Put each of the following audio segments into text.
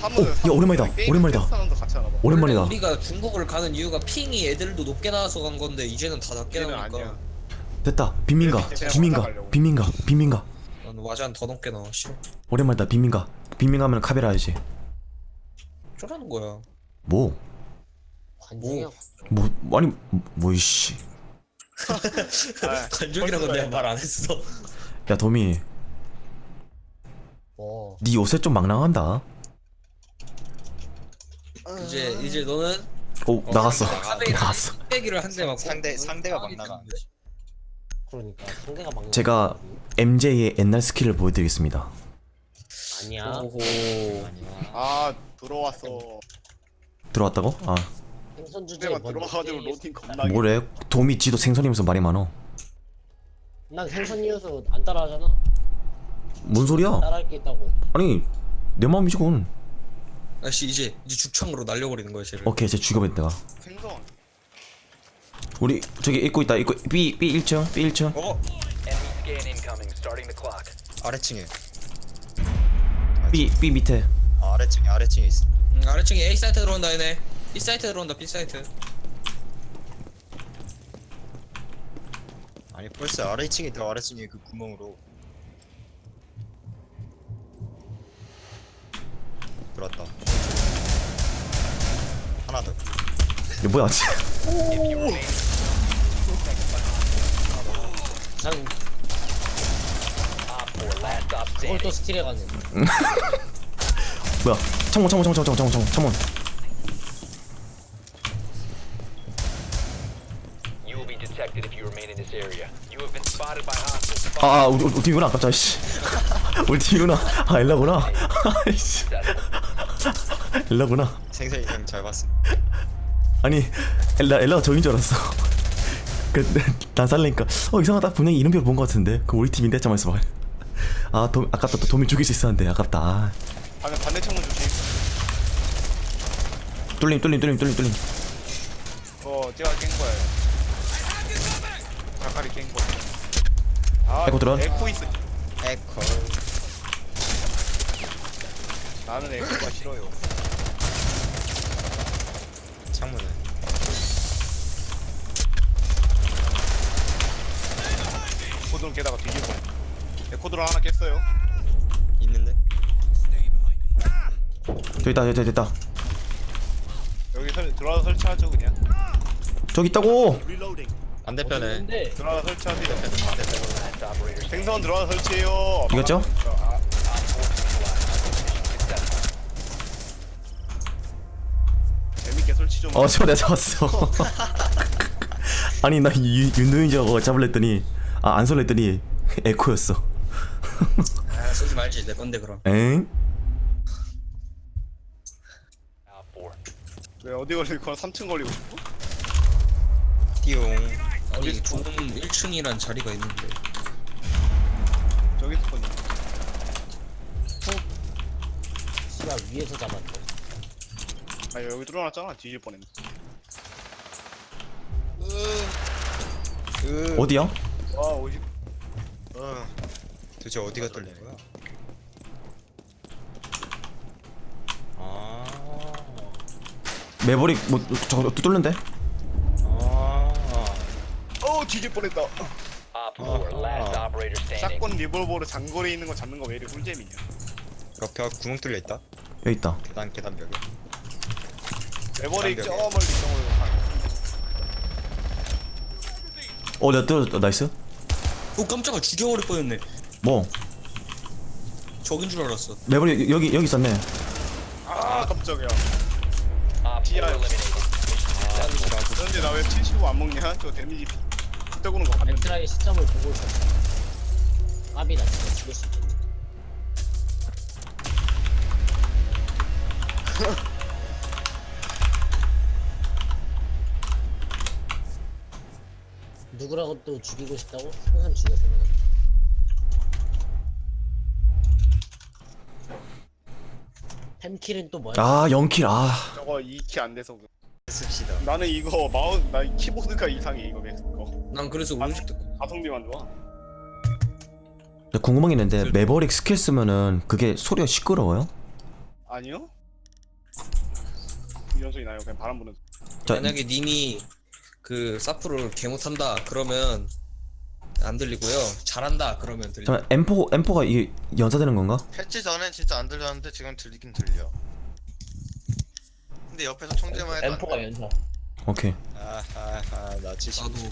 야 오랜만이다. 오랜만이다. 오랜만이다. 우리가 중국을 가는 이유가 핑이 애들도 높게 나와서 간 건데 이제는 다 낮게 나오니까. 됐다. 빈민가. 빈민가. 난 와잔 더 높게 나와. 싫어. 오랜만이다. 빈민가. 빈민가 하면 카베라 알지? 쪼라는 거야. 뭐? 관중이야. 아니 뭐 이씨. 관중이라고 내가 말 안 했어. 야 도미. 네 요새 좀 막 나간다. 이제 너는 나갔어. 카베이를 나갔어. 빼기를 한 대 맞고 상대가 막 나가. 그러니까 상대가 막. 제가 MJ의 옛날 스킬을 보여드리겠습니다. 아니야. 오호. 아 들어왔어. 들어왔다고? 아 생선 주제에 상대가 들어와가지고 로딩 겁나. 뭐래? 도미 지도 생선이면서 말이 많어. 난 생선이어서 안 따라하잖아. 뭔 소리야? 따라할 게 있다고. 아니 내 마음이지 그건. 아씨 이제 죽창으로 날려버리는 거야 쟤를. 오케이 쟤 죽여버린 내가. 생선. 우리 저기 입고 있다. 입고 B 1층 B 1층. 아래층에. B 밑에. 아래층에 있어. 아래층에 A 사이트 들어온다 얘네. B 사이트 들어온다 B 사이트. 아니 벌써 아래층에 그 구멍으로 들어왔다. 하나 더. 이거 뭐야? 난 그걸 또 스틸해가네. 뭐야? 창문. 우리 팀이구나 아깝다 씨. 우리 팀이구나. 엘라구나. 아이씨. 엘라구나. 생선이 형 잘 봤어. 아니 엘라가 저긴 줄 알았어. 난 살래니까 이상하다. 분명히 이름표를 본 것 같은데. 그럼 우리 팀인데 잠깐만 있어봐. 아깝다. 또 도미 죽일 수 있었는데 아깝다. 반대 창문 조심. 뚫림. 제가 깬 거예요. 자칼이 깬 거. 에코 들어온? 에코 있어. 에코. 나는 에코가 싫어요. 창문은. 에코드론 깨다가 뒤질 뻔. 에코드론 하나 깼어요. 있는데? 저기 있다. 여기 들어와서 설치하죠 그냥. 저기 있다고. 반대편에. 근데 들어와서 설치하세요. 생선 들어와서 설치해요. 이겼죠? 재밌게 설치 좀. 저 내가 잡았어. 아니 나 윤도인 저거 잡으랬더니 안 쏠랬더니 에코였어. 쏘지 말지 내 건데 그럼. 엥? 왜 어디 걸릴 거야? 3층 걸리고 싶어? 띠용. 아니 좋은 1층이란 자리가 있는데. 저기 있을 거냐? 씨가 위에서 잡았네. 아 여기 뚫어놨잖아. 뒤질 뻔했네. 어디야? 와 50. 도대체 어디가 뚫린 거야? 매버릭 저거 또 뚫는데? 뒤질 뻔했다. 샷건 리볼버로 장거리에 있는 거 잡는 거 왜 이리 꿀잼이냐? 벽 구멍 뚫려 있다. 여기 있다. 계단 벽에. 레버릭 저 장벽에. 멀리 정으로 가. 내가 뚫었다. 나이스. 깜짝아 죽여버릴 뻔했네. 뭐? 적인 줄 알았어. 매버릭 여기 있었네. 깜짝이야. TR. 그런데 나 왜 75 안 먹냐? 저 데미지 떠구는 거 봤는데. 엑스라의 시점을 보고 있었어. 까비다 진짜 죽일 수 있겠네. 누구라고 또 죽이고 싶다고? 생선 죽여 생선. 템킬은 또 뭐야? 0킬. 저거 2키 안 돼서 그래. 씁시다. 나는 이거 나 키보드가 이상해 이거 맥스 거. 난 그래서 우리집 듣고. 가성비만 좋아. 궁금한 게 있는데 매버릭 스킬 쓰면은 그게 소리가 시끄러워요? 아니요? 연소리 나요. 그냥 바람 부는. 자, 만약에 님이 그 사프를 개 못한다 그러면 안 들리고요. 잘한다 그러면 들리. 잠깐 M4가 이게 연사되는 건가? 패치 전엔 진짜 안 들렸는데 지금 들리긴 들려. 근데 옆에서 총재만 해도 안 M4가 돼. 연사. 오케이. 아하하 나 70. 나도.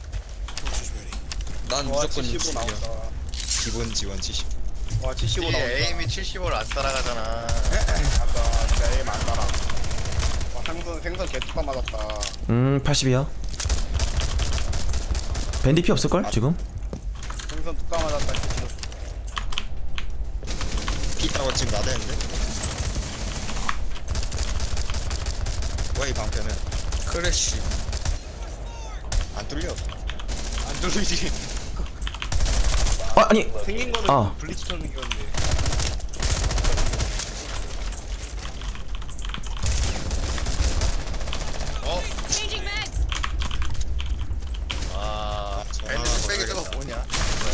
난 와 무조건 75 60이야. 나온다. 기본 지원 70. 와 75 나온다. 에임이 75를 안 따라가잖아. 아까 진짜 에임 안 따라. 와 생선 개뚜까 맞았다. 80이야. 밴디 피 없을걸 지금? 생선 뚜까 맞았다. 피 따고 지금 나대는데? 뭐야 이 방패는? 크래쉬. 안 뚫려. 안 뚫리지. 아 아니 생긴 거는 아. 블리츠처럼 생겼는데. 어? Changing mags. 아, 전화 밴드 스펙이 저거 걸어야겠다. 뭐냐?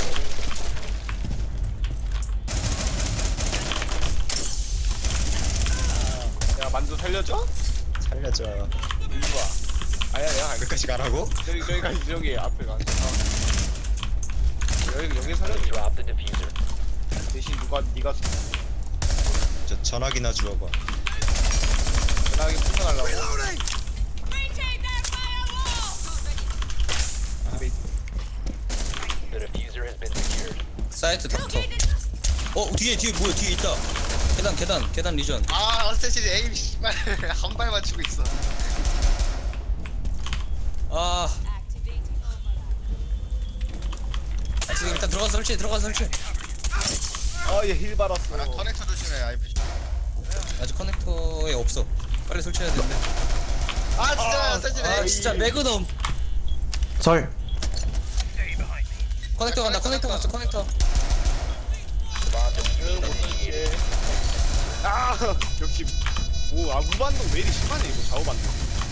야 만두 살려줘? 살려줘. 일로 와. 아야 내가 갈게. 끝까지 가라고? 저기까지 저기 앞에 가. 여기 살려줘. 대신 네가 저 전화기나 주워봐. 전화기 풍선하려고. Retake that firewall. 사이트 닥터. 뒤에 뭐야 뒤에 있다. 계단 리전. 아, 어스테시드 에임 씨발 한 발 맞추고 있어. 아 Activating overlap. 지금 일단 들어가서 설치. 아얘 힐 받았어. 아, 커넥터 조심해. IP. 아직 커넥터에 없어. 빨리 설치해야 되는데. 아, 진짜 어스테시드 아 에임. 진짜 매그넘. 설. 커넥터 간다. 커넥터 갔어. 커넥터. 아 역시 아 무반동 왜 이리 심하네 이거 좌우반동.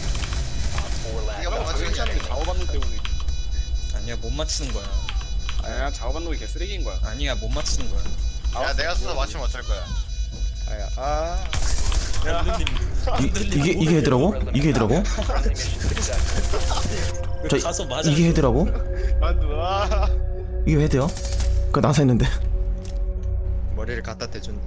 네가 뭐 맞추는 게 괜찮은데 아니야. 좌우반동 때문에. 아니야 못 맞추는 거야. 아니야 좌우반동이 개쓰레기인 거야. 아니야 못 맞추는 거야. 야, 내가 써서 맞추면 어쩔 거야. 아야 아. 이게 헤드라고? 이게 헤드라고? 저 가서 맞아. 이게 헤드라고? 만두 아. 이게 헤드야? 그거 나사 했는데. 머리를 갖다 대준대.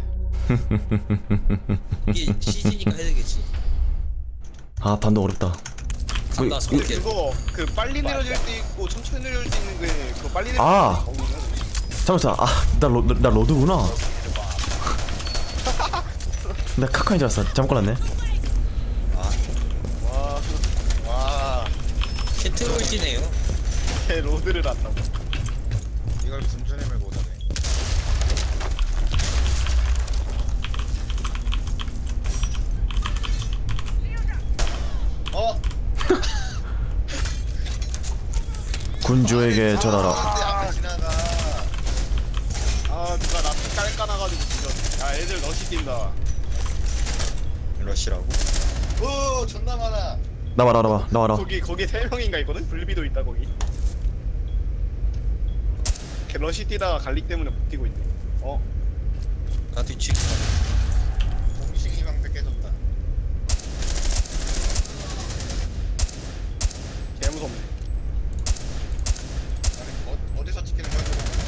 이게 CG니까 해야되겠지. 아 반도 어렵다. 간다. 손게. 그거 그 빨리 내려질 때 있고 천천히 내려질 때 있는 게 그거 빨리 내려질 아. 때 거기는. 잠깐만 나 로드구나. 나 카카인 줄 알았어. 잘못 골랐네. 와, 캐트롤지네요. 개 로드를 한다고. 이걸 군전에 밀고 오다네. 어? 군주에게 전하라. 앞에 지나가. 아 누가 나 깔까나가지고 진짜. 야 애들 너시 뛴다. 러시라고? 오, 존나 많아. 나와라. 거기 3명인가 있거든? 불비도 있다 거기. 걔 러시 뛰다가 갈릭 때문에 못 뛰고 있네. 나 뒤치기. 공식이 방패 깨졌다. 개 무섭네. 아니, 어디서 찍히는 거야?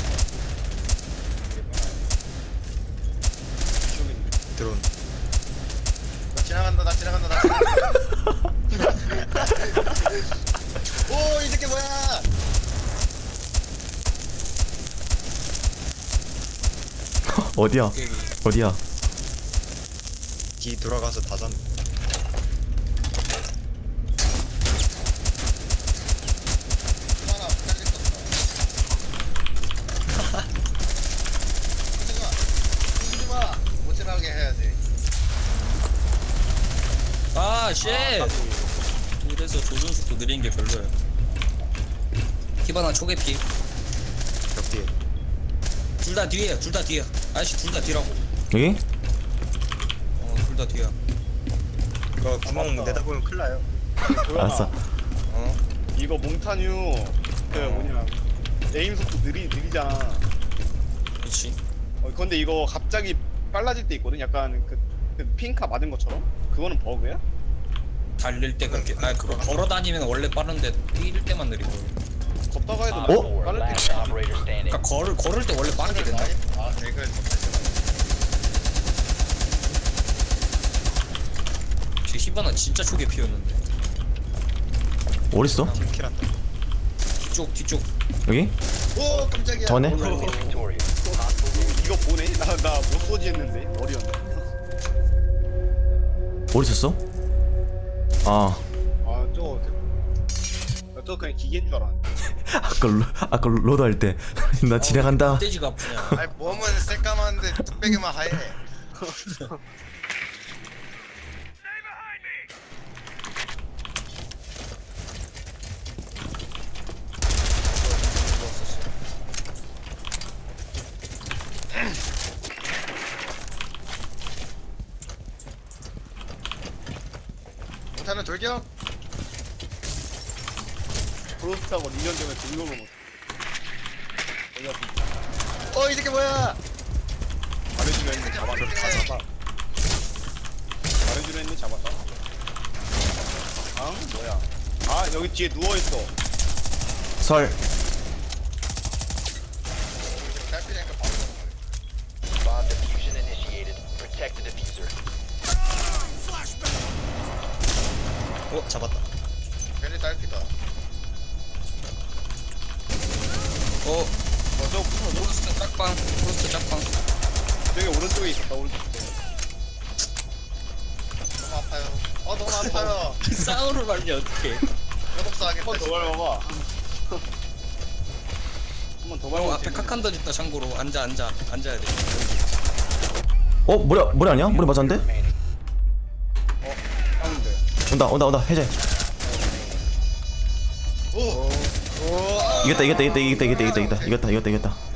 이쪽에 있네. 드론. 나 지나간다. 오, 이 새끼 뭐야? 어디야? 뒤 돌아가서 다 잡는. 하나 잘렸었어. 그러지 마. 못 지나가게 해야지. 아 쉣. 이래서 조준 속도 느린 게 별로야. 히바나 초계피. 벽 뒤에. 둘 다 뒤에야. 아저씨 둘 다 뒤라고. 여기? 둘 다 뒤야. 그거 구멍 내다보면 큰일 나요. 알았어. 이거 몽타뉴 그 뭐냐 에임 속도 느리잖아. 그렇지. 근데 이거 갑자기 빨라질 때 있거든. 약간 그 핑카 맞은 것처럼. 그거는 버그야? 달릴 때 그렇게 그거 걸어 다니면 원래 빠른데 뛸 때만 느리고. 걷다가 해도 어? Four 빠를 때 last operator standing. 그러니까 걸을 때 원래 빠르게 된다. 아 대글 제 히바나 진짜 초계 피웠는데. 어딨어? 킬한다. 뒤쪽. 여기? 오 깜짝이야 저네? Friendly victorious. 이거 보네? 나못 쏘지 했는데 머리였네. 어디 있었어? 아 저 그냥 기계인 줄 알았는데. 아까 로드 할 때 나 지나간다. 떼지가 아프냐. 아니 몸은 새까만데 뚝배기만 하얘 못하는 돌격 프로스트하고 2년 전에 등록을 못. 이 새끼 뭐야 잘해주려 했는데 잡았다. 잘해주려 했는데 잡았다. 아 뭐야? 아 여기 뒤에 누워 있어. 설. 달피니까 바로 Bomb diffusion initiated. Protect the diffuser. 잡았다. 괜히 달피다 저 프로스트 짝방. 저기 오른쪽에 있었다. 오른쪽. 너무 아파요 너무 아파요 싸우러 말리 어떡해. 협업사 하겠다 한번 더 밟아봐. 한번 더 밟아. 앞에 카칸 던졌다. 참고로 앉아야 돼. 머리 아니야? 머리 맞았는데? Remaining. 하면 돼. 온다 해제. 이겼다.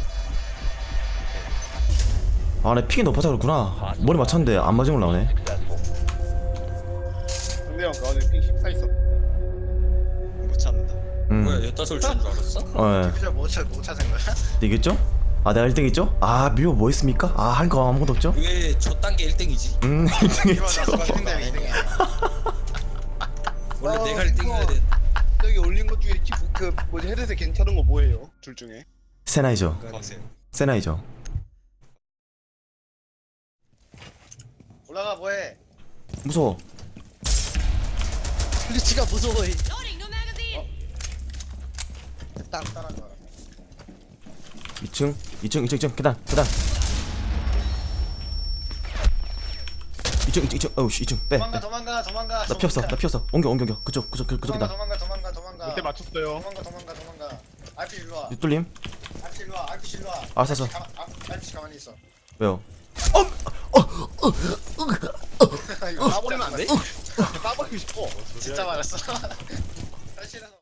아, 내 픽이 높아서 그렇구나. 머리 맞췄는데 안 맞은 걸 나오네. Successful. 상대방 그 안에 핑 14 있었. 못 찾는다. 뭐야 여따솔 치는 줄 알았어? 피자 못 찾은 거야? 이겼죠? 아, 내가 1등 했죠? 아, 미호 뭐 했습니까? 아, 할 거 아무것도 없죠? 왜 저 단계 1등이지? 1등 이거 했죠. 나서 상대 2등이야 원래 내가 1등이어야 돼. 저기 올린 것 중에 그 뭐지 헤드셋 괜찮은 거 뭐예요? 둘 중에. 세나이죠. 세나이죠. 올라가 뭐해 무서워. 블리치가 무서워. Loading new magazine. 따라가 2층 계단 2층 어우씨 2층 빼. 도망가 나 피었어. 옮겨. 그쪽 계단. 도망가 밑에 맞췄어요. 도망가 RP 일로와 뚫림? RP 일로와 RP 일로와 알았어. RP 가만히 있어 왜요? 이거 까버리면 안 돼? 까버리고 싶어. 진짜 말했어 RP라서